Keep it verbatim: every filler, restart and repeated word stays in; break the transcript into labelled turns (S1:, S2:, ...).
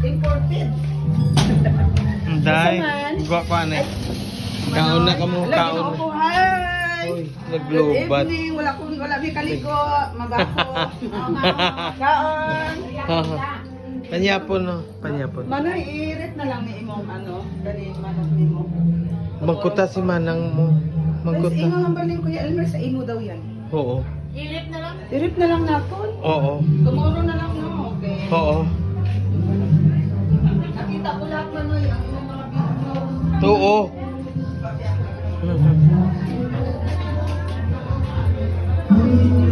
S1: imported.
S2: Dai,
S1: Saman.
S2: gwa pa na. Kaon na kamo,
S1: Hello,
S2: kaon.
S1: ginoo ko, hi.
S2: Uy,
S1: Good
S2: naglubat.
S1: evening. Wala ko, wala may kaligo. Magako. Kaon.
S2: Panyapon no, panyapon.
S1: Manoy, i-rate na lang ni imong ano, kani manok nimo.
S2: Magkuta si manang mo.
S1: Mas
S2: Magkuta.
S1: ingo ang baling Kuya Elmer sa imo daw yan.
S2: Oo.
S1: I-rip na lang? I-rip na lang naton.
S2: Oo.
S1: Tomorrow na lang no, okay.
S2: Oo.
S1: Nakita ko lahat Manoy, ang imong mga video.
S2: Oo.
S1: Thank you.